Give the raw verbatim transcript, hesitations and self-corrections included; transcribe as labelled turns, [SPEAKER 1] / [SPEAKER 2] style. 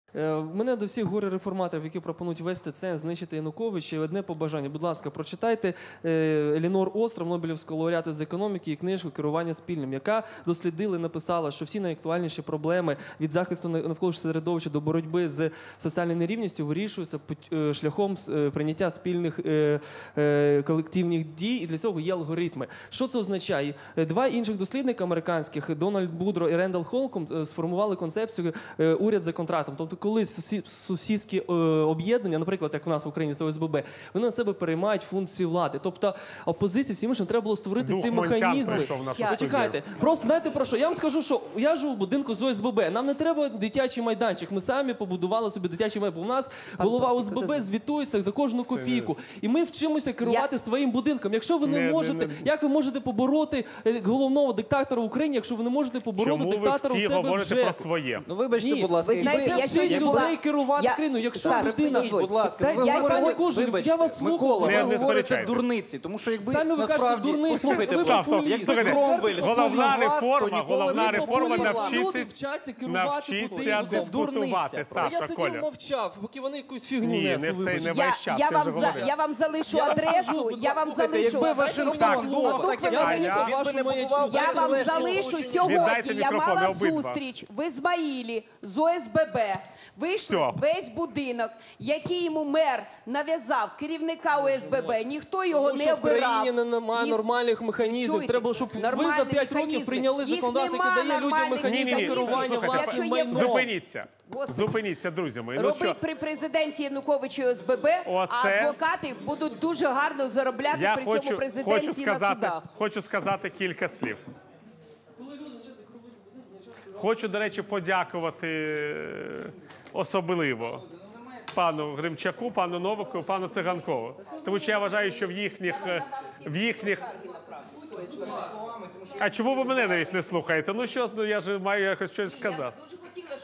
[SPEAKER 1] В мене до всіх горе-реформаторів, які пропонують вести це, знищити Януковича, одне побажання. Будь ласка, прочитайте Елінор Остров, Нобелівського лауреата з економіки, і книжку «Керування спільним», яка дослідила і написала, що всі найактуальніші проблеми від захисту навколишнього середовища до боротьби з соціальною нерівністю вирішуються шляхом прийняття спільних колективних дій, і для цього є алгоритми. Що це означає? Два інших дослідника американських, Дональд Будро і Рендал Холком, сформували концепцію «уряд за контрактом». Тобто, коли сусідські об'єднання, наприклад, як в нас в Україні, це О С Б Б, вони на себе переймають функції влади. Тобто, опозиції всім іншим треба було створити
[SPEAKER 2] Дух
[SPEAKER 1] ці
[SPEAKER 2] Монтян
[SPEAKER 1] механізми.
[SPEAKER 2] прийшов в нашу студію.
[SPEAKER 1] Зачекайте. Просто знаєте про що? Я вам скажу, що я живу в будинку з О С Б Б. Нам не треба дитячий майданчик. Ми самі побудували собі дитячий майданчик. У нас голова О С Б Б звітується за кожну копійку. І ми вчимося керувати своїм будинком. Якщо ви не можете, як ви можете побороти головного диктатора в Україні, якщо ви не можете побороти диктатора у себе в
[SPEAKER 2] Чому ви всі говорите про
[SPEAKER 1] ЖЕКу?
[SPEAKER 2] своє?
[SPEAKER 3] Ну, вибачте, будь ласка,
[SPEAKER 4] ви знаєте,
[SPEAKER 3] якби-
[SPEAKER 4] я сьогодні
[SPEAKER 3] якби-
[SPEAKER 4] була-
[SPEAKER 1] людей керувати
[SPEAKER 4] Я-
[SPEAKER 1] країною. Якщо
[SPEAKER 4] Саш,
[SPEAKER 1] людина...
[SPEAKER 4] припиніть,
[SPEAKER 3] будь ласка,
[SPEAKER 1] Та
[SPEAKER 3] ви
[SPEAKER 1] я
[SPEAKER 3] говорите-
[SPEAKER 1] Саня Кужель,
[SPEAKER 3] вибачте,
[SPEAKER 1] я вас слухаю.
[SPEAKER 3] Микола,
[SPEAKER 2] Не-
[SPEAKER 3] ви
[SPEAKER 2] не
[SPEAKER 3] говорите
[SPEAKER 2] сперечайтесь.
[SPEAKER 3] дурниці, тому що якби
[SPEAKER 1] Самі ви кажете
[SPEAKER 3] насправді...
[SPEAKER 1] дурниці.
[SPEAKER 3] Послухайте,
[SPEAKER 1] Ви
[SPEAKER 2] Стоп, стоп.
[SPEAKER 3] якби
[SPEAKER 2] Слухайте,
[SPEAKER 3] Кромвель
[SPEAKER 2] головна
[SPEAKER 3] слухав вас, то
[SPEAKER 2] реформа,
[SPEAKER 3] ніколи
[SPEAKER 2] головна
[SPEAKER 3] б не
[SPEAKER 2] реформа
[SPEAKER 3] популювала.
[SPEAKER 1] Люди
[SPEAKER 2] навчитись,
[SPEAKER 1] вчаться керувати
[SPEAKER 2] навчитися
[SPEAKER 1] потрібно.
[SPEAKER 3] Це
[SPEAKER 2] дискутувати,
[SPEAKER 3] дурниця.
[SPEAKER 1] А я
[SPEAKER 2] Саша,
[SPEAKER 1] сидів,
[SPEAKER 2] Коля.
[SPEAKER 1] мовчав, поки вони якусь фігню
[SPEAKER 2] Ні,
[SPEAKER 1] несли,
[SPEAKER 2] не все,
[SPEAKER 1] вибачте.
[SPEAKER 2] не
[SPEAKER 4] Я,
[SPEAKER 2] весь час,
[SPEAKER 4] я,
[SPEAKER 2] ти
[SPEAKER 4] вам
[SPEAKER 2] вже
[SPEAKER 4] за,
[SPEAKER 2] говорив.
[SPEAKER 4] я вам залишу
[SPEAKER 1] Я
[SPEAKER 4] адресу,
[SPEAKER 1] кажу,
[SPEAKER 4] я вам
[SPEAKER 1] слухайте,
[SPEAKER 4] залишу.
[SPEAKER 3] Якби Вашингтон думав так, як
[SPEAKER 1] Я
[SPEAKER 3] ви,
[SPEAKER 1] залишу
[SPEAKER 3] він би
[SPEAKER 1] вашу
[SPEAKER 3] не
[SPEAKER 1] маячню.
[SPEAKER 3] будував
[SPEAKER 4] Я вам
[SPEAKER 3] незалежні
[SPEAKER 4] залишу
[SPEAKER 3] Сполучені
[SPEAKER 4] сьогодні.
[SPEAKER 2] Віддайте
[SPEAKER 4] Я
[SPEAKER 2] мікрофон,
[SPEAKER 4] мала
[SPEAKER 2] обидва.
[SPEAKER 4] зустріч в Ізмаїлі з О С Б Б. Вийшли
[SPEAKER 2] Всьо.
[SPEAKER 4] весь будинок, який йому мер нав'язав, керівника О С Б Б. Ніхто його
[SPEAKER 1] Тому
[SPEAKER 4] не
[SPEAKER 1] що в
[SPEAKER 4] обирав.
[SPEAKER 1] країні немає
[SPEAKER 4] Ні-
[SPEAKER 1] нормальних механізмів.
[SPEAKER 4] Чуєте?
[SPEAKER 1] Треба, щоб ви
[SPEAKER 4] Нормальні
[SPEAKER 1] за п'ять років
[SPEAKER 4] механізми.
[SPEAKER 1] прийняли
[SPEAKER 4] Їх
[SPEAKER 1] законодавство,
[SPEAKER 4] нема
[SPEAKER 1] яке дає людям
[SPEAKER 4] нормальних
[SPEAKER 1] механізми
[SPEAKER 2] Ні-ні-ні,
[SPEAKER 1] керування
[SPEAKER 2] слухайте,
[SPEAKER 1] власним
[SPEAKER 4] якщо є
[SPEAKER 1] майном.
[SPEAKER 2] Зупиніться.
[SPEAKER 4] Господи.
[SPEAKER 2] Зупиніться, друзі мої. Ну
[SPEAKER 4] Робить
[SPEAKER 2] що,
[SPEAKER 4] при президенті Януковичу і О С Б Б, а
[SPEAKER 2] Оце-
[SPEAKER 4] адвокати будуть дуже гарно заробляти
[SPEAKER 2] я
[SPEAKER 4] при цьому
[SPEAKER 2] хочу,
[SPEAKER 4] президенті
[SPEAKER 2] хочу,
[SPEAKER 4] на
[SPEAKER 2] сказати,
[SPEAKER 4] судах.
[SPEAKER 2] хочу сказати кілька слів. Хочу, до речі, подякувати е, особливо пану Гримчаку, пану Новаку, пану Циганкову. Тому що я вважаю, що в їхніх... е, в їхніх... А чому ви мене навіть не слухаєте? Ну що, ну я ж маю якось щось сказати.
[SPEAKER 4] Дуже хотіла,